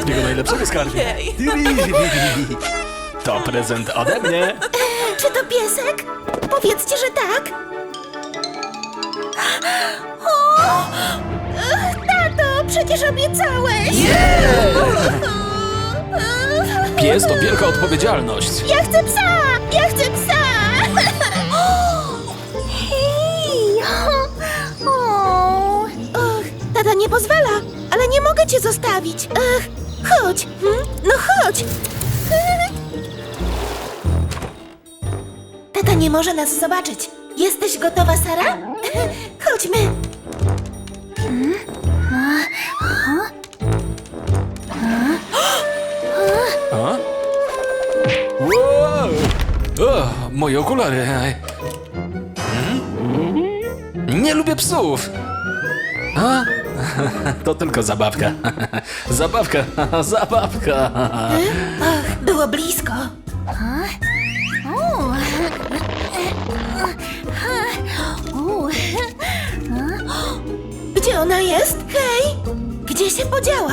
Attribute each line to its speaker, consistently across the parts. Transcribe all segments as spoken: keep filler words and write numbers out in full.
Speaker 1: Wszystkiego najlepszego, skarbie. To prezent ode mnie.
Speaker 2: Czy to piesek? Powiedzcie, że tak. O! Ach, tato, przecież obiecałeś.
Speaker 1: Pies to wielka odpowiedzialność.
Speaker 2: Ja chcę psa! Ja chcę psa! Hej! O! Och, tata nie pozwala, ale nie mogę cię zostawić. Ach, chodź! Hmm? No chodź! Tata nie może nas zobaczyć. Jesteś gotowa, Sara? Chodźmy.
Speaker 1: A? Wow! O, moje okulary. Hmm? Nie lubię psów. A? To tylko zabawka. Zabawka, zabawka.
Speaker 2: Och, było blisko. Gdzie ona jest? Hej! Gdzie się podziała?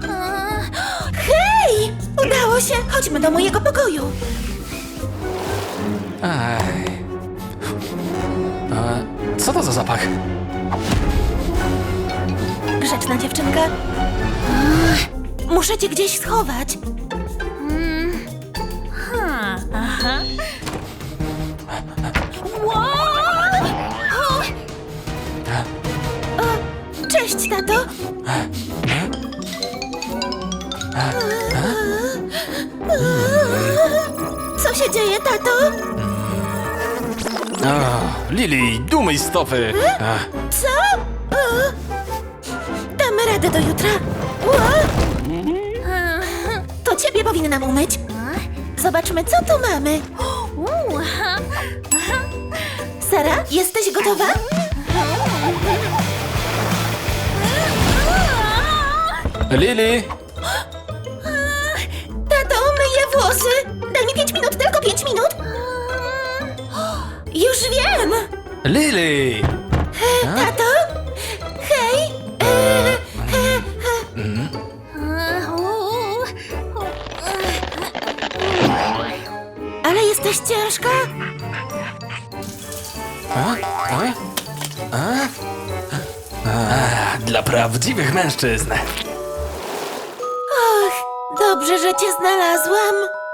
Speaker 2: Hej! Udało się! Chodźmy do mojego pokoju.
Speaker 1: Ej. A, co to za zapach?
Speaker 2: Grzeczna dziewczynka. Muszę cię gdzieś schować. O, cześć, tato. Co się dzieje, tato?
Speaker 1: O, Lili, dumej stopy. A,
Speaker 2: Co? O, damy radę do jutra. O, to ciebie powinnam umyć. Zobaczmy, co tu mamy. Sara, jesteś gotowa?
Speaker 1: Lili!
Speaker 2: Tato, myję włosy. Daj mi pięć minut, tylko pięć minut. Już wiem.
Speaker 1: Lili!
Speaker 2: Tato? Hej! E, e, e. Ale jesteś ciężka?
Speaker 1: A? A? A? A, dla prawdziwych mężczyzn.
Speaker 2: Och, dobrze, że cię znalazłam.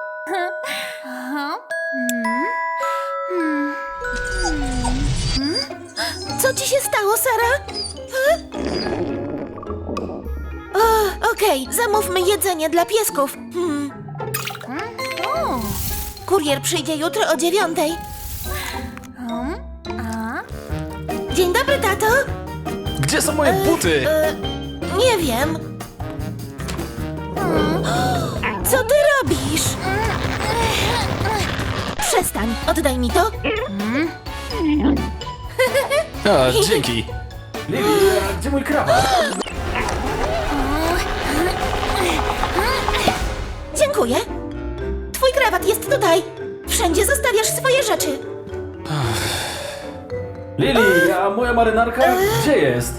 Speaker 2: Co ci się stało, Sara? E? O, okej, zamówmy jedzenie dla piesków. Hmm. Kurier przyjdzie jutro o dziewiątej. Dzień dobry, tato.
Speaker 1: Gdzie są moje buty?
Speaker 2: E, nie wiem. Co ty robisz? Przestań, oddaj mi to.
Speaker 1: A, dzięki. Lili, a gdzie mój krawat?
Speaker 2: Dziękuję. Twój krawat jest tutaj. Wszędzie zostawiasz swoje rzeczy.
Speaker 1: Lili, a moja marynarka gdzie jest?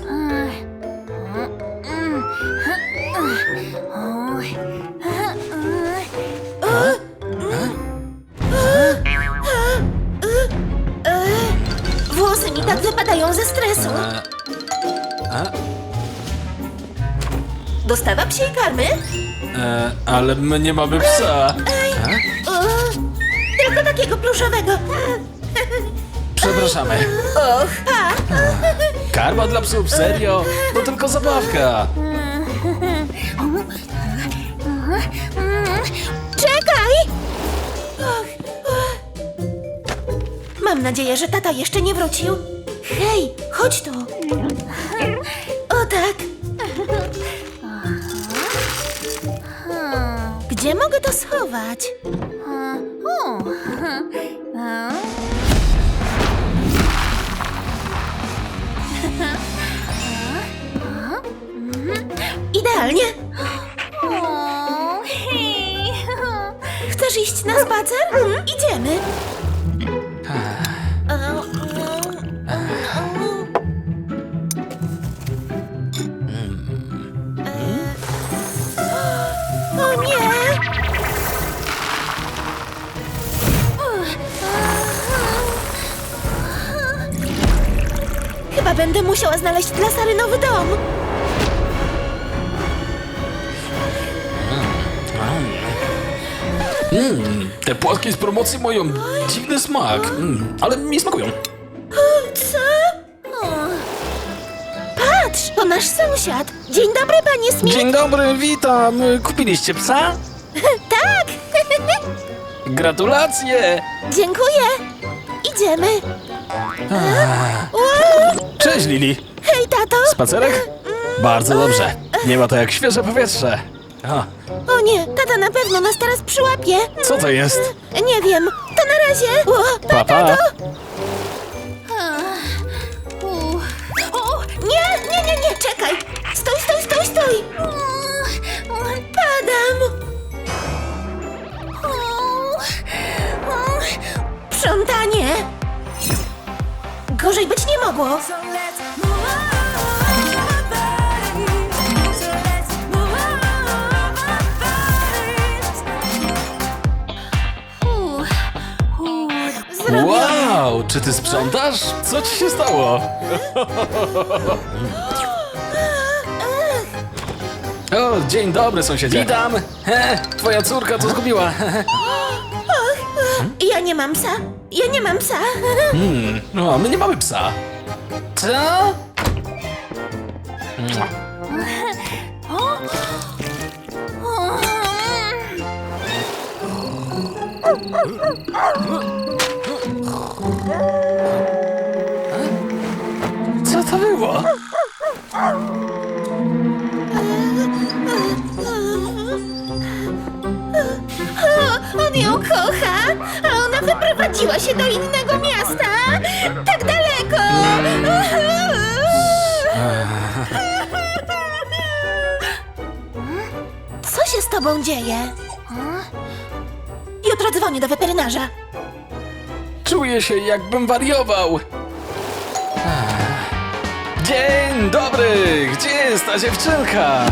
Speaker 2: Włosy mi tak wypadają ze stresu.
Speaker 1: A,
Speaker 2: Dostawa psiej karmy?
Speaker 1: e, ale my nie mamy psa.
Speaker 2: O, tylko takiego pluszowego.
Speaker 1: Przepraszamy.
Speaker 2: Och, pa.
Speaker 1: Karma dla psów, serio? To tylko zabawka.
Speaker 2: Czekaj! Och, och. Mam nadzieję, że tata jeszcze nie wrócił. Hej, chodź tu. O tak. Gdzie mogę to schować? Idealnie. Chcesz iść na spacer? Mhm, idziemy. Chyba będę musiała znaleźć dla Sary nowy dom.
Speaker 1: Mm, te płatki z promocji mają dziwny smak, mm, ale mi smakują.
Speaker 2: Co? O. Patrz, to nasz sąsiad. Dzień dobry, panie Smith.
Speaker 1: Dzień dobry, witam. Kupiliście psa?
Speaker 2: Tak.
Speaker 1: Gratulacje!
Speaker 2: Dziękuję. Idziemy.
Speaker 1: Cześć, Lili.
Speaker 2: Hej, tato.
Speaker 1: Spacerek? Bardzo dobrze. Nie ma to jak świeże powietrze. A,
Speaker 2: O nie, tata na pewno nas teraz przyłapie.
Speaker 1: co to jest?
Speaker 2: Nie wiem. To na razie. O, pa,
Speaker 1: Pa, pa.
Speaker 2: tato. O, nie, nie, nie, nie, czekaj. Stój, stój, stój, stój. Padam. Sprzątanie. Gorzej być nie mogło.
Speaker 3: So let's move on, my bodies. So let's move on, my bodies.
Speaker 2: Zrobione.
Speaker 1: Wow, czy ty sprzątasz? Co ci się stało? O, dzień dobry, sąsiedzie. Witam. He, twoja córka to zgubiła.
Speaker 2: Ja nie mam psa. Ja nie mam psa.
Speaker 1: Hmm, no, my nie mamy psa. Co? Mua. Co to było?
Speaker 2: O, on ją kocha, a ona wyprowadziła się do innego miasta. Tak daleko. Co się z tobą dzieje? Jutro dzwonię do weterynarza.
Speaker 1: Czuję się, jakbym wariował. Dzień dobry! Gdzie jest ta dziewczynka?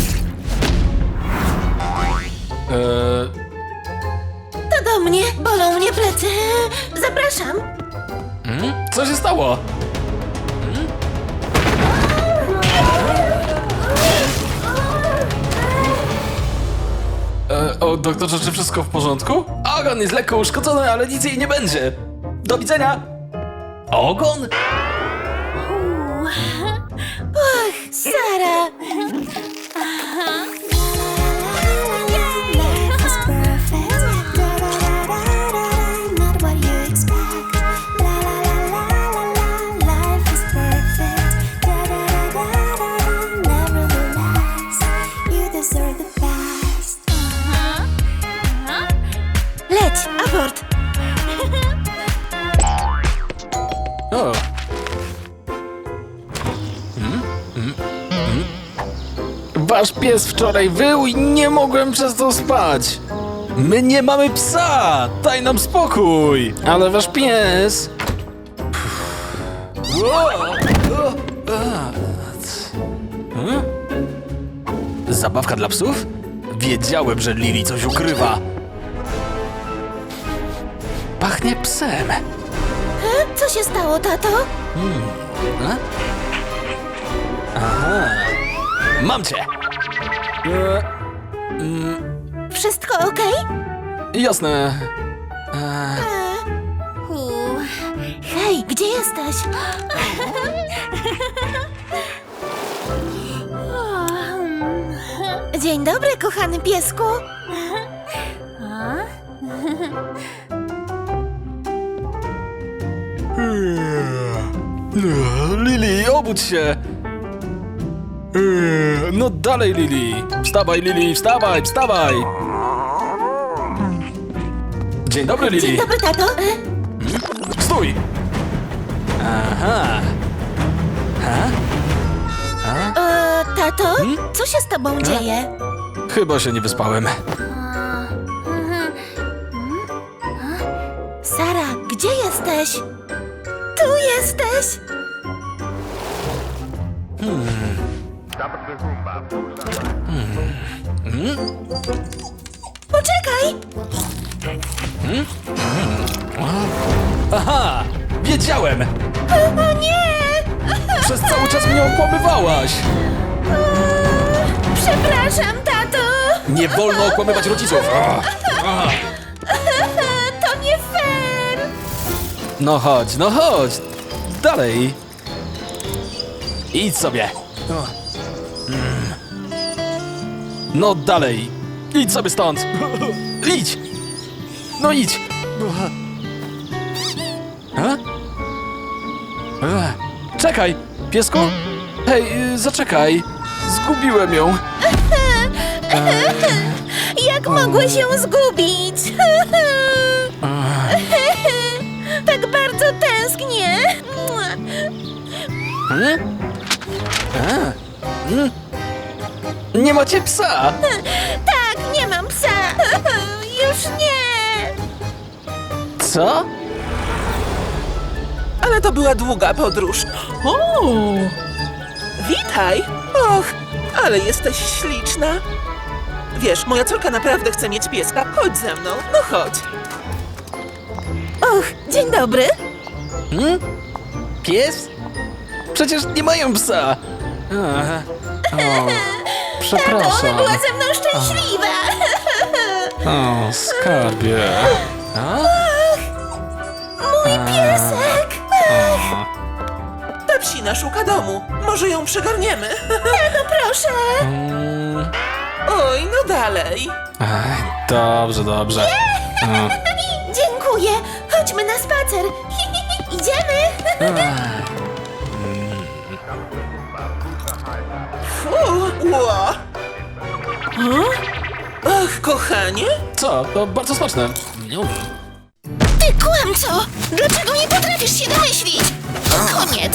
Speaker 1: Eee,
Speaker 2: To do mnie, bolą mnie plecy. Zapraszam.
Speaker 1: hmm? Co się stało? E, o, doktorze, czy wszystko w porządku? Ogon jest lekko uszkodzony, ale nic jej nie będzie. Do widzenia! Ogon?
Speaker 2: Och, Sara.
Speaker 3: Life is perfect. Da da da da da, not what you expect. La la la la la la, life is perfect. Da da da da da, never relax. You deserve the best.
Speaker 2: Leć, abort.
Speaker 1: O. Hmm? Hmm? Hmm? Wasz pies wczoraj wył i nie mogłem przez to spać. My nie mamy psa! Daj nam spokój! Ale wasz pies... O! O! A! Hmm? Zabawka dla psów? Wiedziałem, że Lili coś ukrywa. Pachnie psem.
Speaker 2: E? Co się stało, tato?
Speaker 1: A? Aha. Mam cię! E,
Speaker 2: Wszystko okej?
Speaker 1: jasne. E,
Speaker 2: Hej, gdzie jesteś? Dzień dobry, kochany piesku.
Speaker 1: Lili, obudź się! E, no dalej, Lili! Wstawaj, Lili, wstawaj, wstawaj! Dzień dobry,
Speaker 2: Dzień
Speaker 1: Lili!
Speaker 2: dobry, tato. E?
Speaker 1: Stój! Aha! Ha?
Speaker 2: E, tato, co się z tobą dzieje?
Speaker 1: Chyba się nie wyspałem.
Speaker 2: Sara, gdzie jesteś? Tu jesteś! Poczekaj!
Speaker 1: Aha! Wiedziałem!
Speaker 2: O, o nie!
Speaker 1: Przez cały czas mnie okłamywałaś!
Speaker 2: Przepraszam, tato!
Speaker 1: Nie wolno okłamywać rodziców! Ah, ah.
Speaker 2: To nie fair!
Speaker 1: No chodź, no chodź! Dalej! Idź sobie! Mm. No dalej! Idź sobie stąd! Idź! No idź! A? E, Czekaj! Piesku? Hej, y, zaczekaj! Zgubiłem ją!
Speaker 2: Jak mogłeś ją zgubić? Tak bardzo tęsknię.
Speaker 1: Hmm? A, mm. Nie macie psa!
Speaker 2: Tak, nie mam psa. Już nie.
Speaker 1: Co?
Speaker 4: Ale to była długa podróż. O! Witaj! Och, ale jesteś śliczna. Wiesz, moja córka naprawdę chce mieć pieska. Chodź ze mną, no chodź.
Speaker 2: Och, dzień dobry.
Speaker 1: Hmm? Pies? Przecież nie mają psa! Ach, o,
Speaker 2: Ona
Speaker 1: przepraszam.
Speaker 2: była ze mną szczęśliwa.
Speaker 1: O, skarbie. A?
Speaker 2: Mój piesek.
Speaker 4: Ta psina szuka domu. Może ją przygarniemy?
Speaker 2: No proszę.
Speaker 1: Mm,
Speaker 4: Oj, no dalej.
Speaker 1: ach, dobrze, dobrze. O,
Speaker 2: Dziękuję. Chodźmy na spacer. Idziemy.
Speaker 1: ach,
Speaker 4: Fu, ła. Hmm? Ach, kochanie?
Speaker 1: co? To bardzo smaczne. Mm.
Speaker 2: Ty kłamco! Dlaczego nie potrafisz się domyślić? Koniec.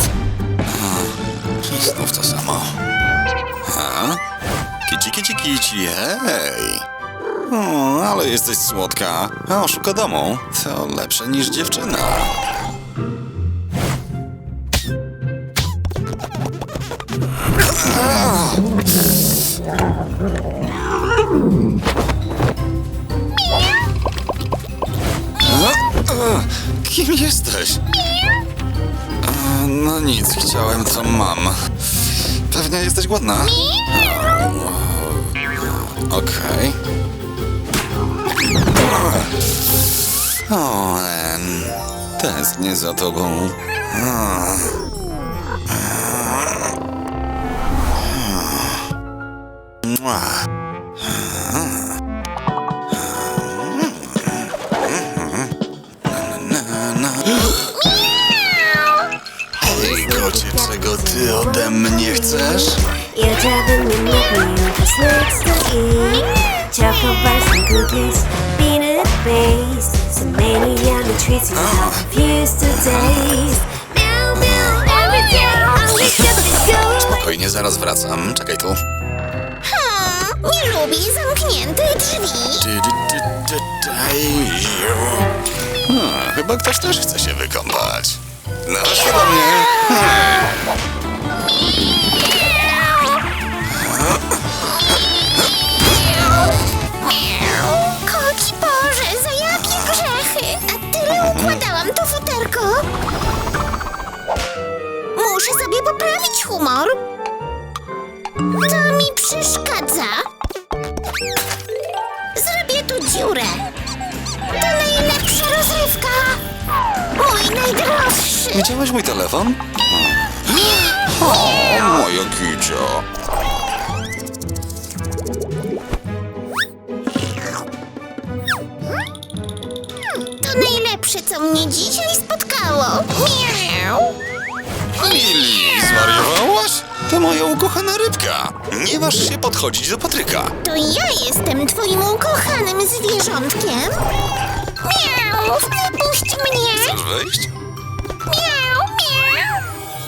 Speaker 5: Znów to samo. Ha? Kici, kici, kici, hej! O, ale jesteś słodka. A oszuka domu. To lepsze niż dziewczyna. Kim jesteś? A, no nic, chciałem, co mam. Pewnie jesteś głodna. Okej. O, Em, tęsknię za tobą. Mua. Hej, kocie, czego ty ode mnie chcesz?
Speaker 3: You're driving me nuclear, the snacks to eat. Chocolate bars and cookies, peanut based. So many yummy treats you have refused to taste. Meow, meow, every day I'm just up to go.
Speaker 5: Spokojnie, zaraz wracam. Czekaj tu.
Speaker 2: Hmm, nie lubi zamkniętych drzwi.
Speaker 5: Ty, ty, ty, ty, ty. Hmm, chyba ktoś też chce się wykąpać. No, chodź do mnie.
Speaker 2: Koci Boże, za jakie grzechy! A tyle układałam to futerko. Muszę sobie poprawić humor. To mi przeszkadza. Zrobię tu dziurę. To najlepsza rozrywka. Mój najdroższy.
Speaker 5: Widziałeś mój telefon? O, moja kicia.
Speaker 2: To najlepsze, co mnie dzisiaj spotkało. Miau.
Speaker 5: Lili, zwariowałaś? To moja ukochana rybka. Nie waż się podchodzić do Patryka.
Speaker 2: To ja jestem twoim ukochanym zwierzątkiem. Miau, wypuść mnie.
Speaker 5: Chcesz wejść?
Speaker 2: Miau, miau.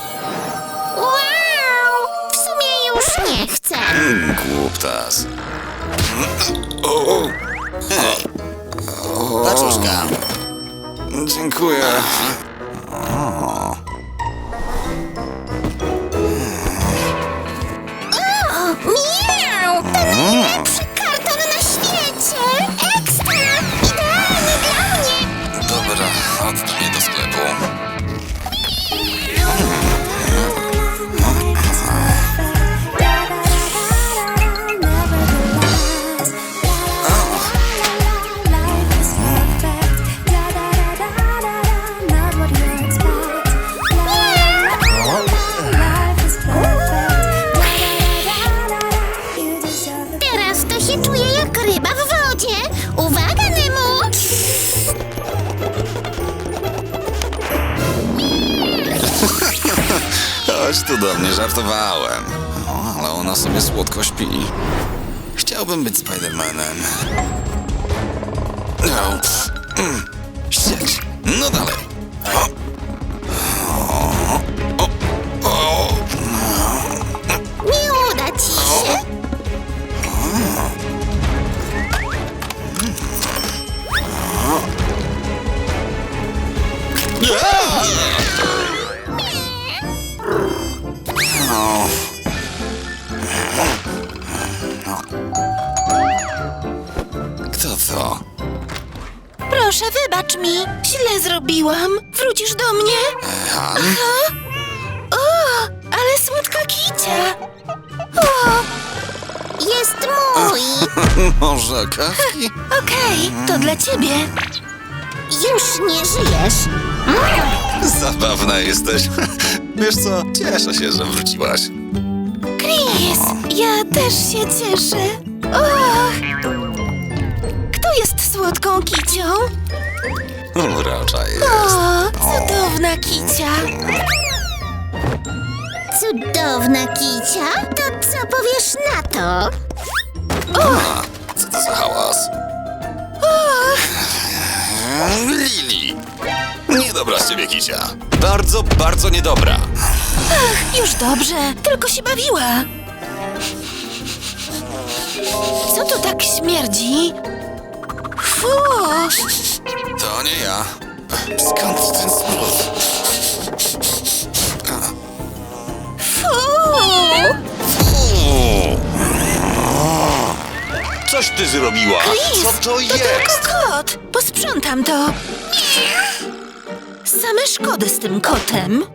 Speaker 2: Wow, w sumie już nie chcę.
Speaker 5: Mm, Głuptas. O, hej. Paczuszka. Dziękuję. O.
Speaker 2: O, miau, to najlepszy karton na świecie. Ekstra, idealny dla mnie.
Speaker 5: Dobra, oddam je do sklepu.
Speaker 2: się czuję jak ryba w wodzie. Uwaga, Nemo!
Speaker 5: Chodź tu do mnie, żartowałem. O, ale ona sobie słodko śpi. Chciałbym być Spidermanem. No, pff, mm, siedź. No dalej. O. O, o, o.
Speaker 2: Nie uda ci się.
Speaker 5: O. Kto to?
Speaker 2: Proszę, wybacz mi. Źle zrobiłam. Wrócisz do mnie?
Speaker 5: Han?
Speaker 2: Ha? O, ale słodka kicia. O, jest mój.
Speaker 5: Może kawki?
Speaker 2: Okej, to dla ciebie. Już nie żyjesz.
Speaker 5: Zabawna jesteś. Wiesz co, cieszę się, że wróciłaś.
Speaker 2: Chris, ja też się cieszę. Och. Kto jest słodką kicią?
Speaker 5: Urocza jest.
Speaker 2: O, cudowna kicia. Cudowna kicia? To co powiesz na to?
Speaker 5: A, co to za hałas?
Speaker 2: Och,
Speaker 5: Lili! Niedobra z ciebie kicia. Bardzo, bardzo niedobra.
Speaker 2: ach, już dobrze, tylko się bawiła. Co tu tak śmierdzi? Fu!
Speaker 5: To nie ja. Skąd ten smród? A,
Speaker 2: Fu!
Speaker 5: fu. Coś ty zrobiła?
Speaker 2: Chris,
Speaker 5: Co to
Speaker 2: to
Speaker 5: jest?
Speaker 2: tylko kot. Posprzątam to. Same szkody z tym kotem.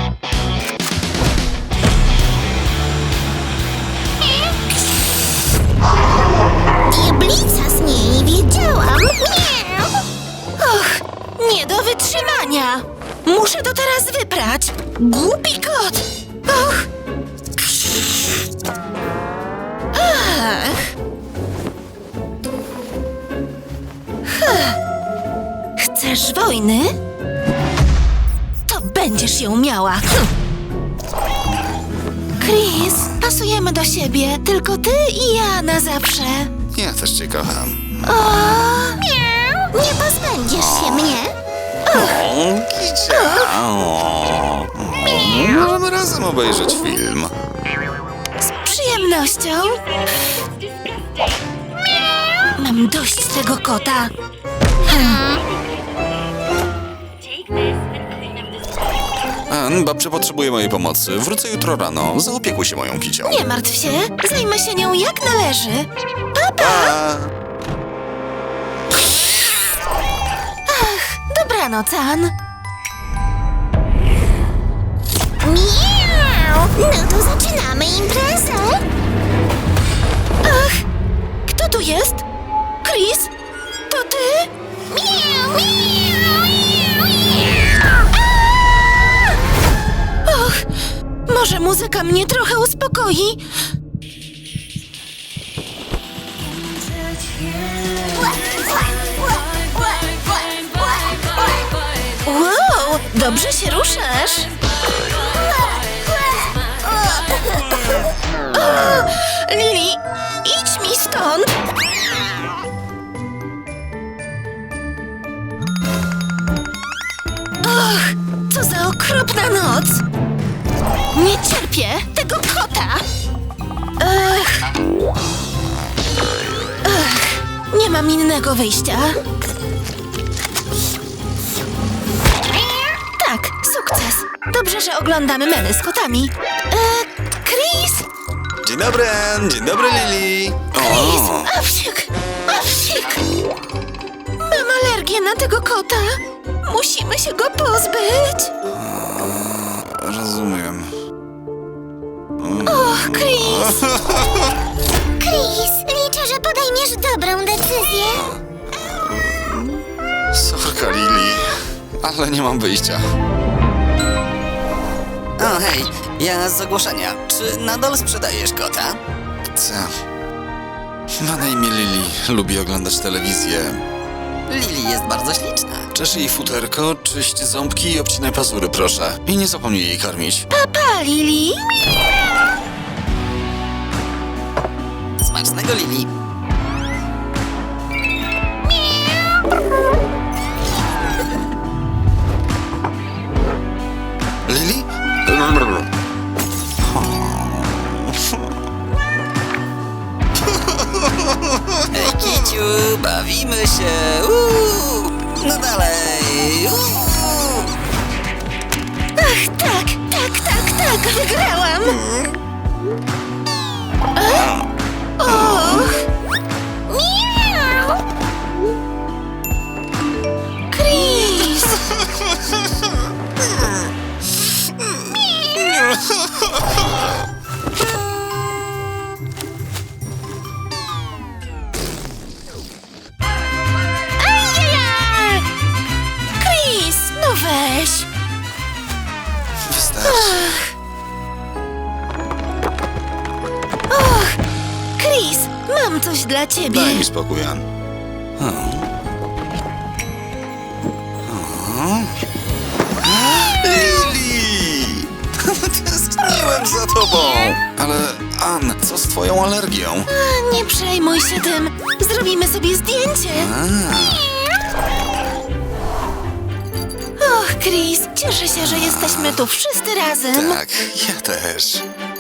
Speaker 2: Diablica z niej, wiedziałam. Och, nie do wytrzymania. Muszę to teraz wyprać. Głupi kot. Och. Ach. Chcesz wojny? To będziesz ją miała. Hm. Chris, pasujemy do siebie, tylko ty i ja na zawsze.
Speaker 5: Ja też cię kocham.
Speaker 2: O, miau. Nie pozbędziesz się mnie.
Speaker 5: O, kicia. O. Możemy razem obejrzeć film.
Speaker 2: Z przyjemnością. Mam dość tego kota. Hmm.
Speaker 5: Ann, babcia potrzebuje mojej pomocy. Wrócę jutro rano. Zaopiekuj się moją kicią.
Speaker 2: Nie martw się, zajmę się nią jak należy. Papa!
Speaker 5: Pa!
Speaker 2: Ach, dobranoc, Ann. Miau! No to zaczynamy imprezę. Ach, kto tu jest? Chris? To ty? Miau, miau, miau, miau. Och, może muzyka mnie trochę uspokoi? Wow, dobrze się ruszasz. O, Lili, idź mi stąd. Och, co za okropna noc. Nie cierpię tego kota. Ech. Ech, nie mam innego wyjścia. Tak, sukces. Dobrze, że oglądamy memy z kotami. E, Chris?
Speaker 5: Dzień dobry, Ann. Dzień dobry, Lili.
Speaker 2: Chris,
Speaker 5: O,
Speaker 2: awsik, awsik. Mam alergię na tego kota. Musimy się go pozbyć.
Speaker 5: rozumiem.
Speaker 2: Och, Chris.
Speaker 3: Chris, liczę, że podejmiesz dobrą decyzję.
Speaker 5: Sorka, Lili. Ale nie mam wyjścia.
Speaker 6: O, hej, ja z ogłoszenia. Czy nadal sprzedajesz kota?
Speaker 5: Co? Ma na imię Lili. Lubi oglądać telewizję.
Speaker 6: Lili jest bardzo śliczna.
Speaker 5: Czesz jej futerko, czyść ząbki i obcinaj pazury, proszę. I nie zapomnij jej karmić.
Speaker 2: Papa, Lili.
Speaker 6: Smacznego, Lili.
Speaker 5: Lili?
Speaker 6: Ej, Kiciu, bawimy się. Uuu. No dalej. Uuu.
Speaker 2: Ach, tak, tak, tak, tak, wygrałam. E? Och. Miau. Chris. Ajajaj. Chris, no weź.
Speaker 5: Wystarczy.
Speaker 2: Och, Chris, mam coś dla ciebie.
Speaker 5: Daj mi spokój, Ann. O. O. Lili! Tęskniłem za tobą! Ale, Ann, co z twoją alergią?
Speaker 2: A, nie przejmuj się tym. Zrobimy sobie zdjęcie.
Speaker 5: A,
Speaker 2: Och, Chris, cieszę się, że jesteśmy tu wszyscy razem.
Speaker 5: tak, ja też.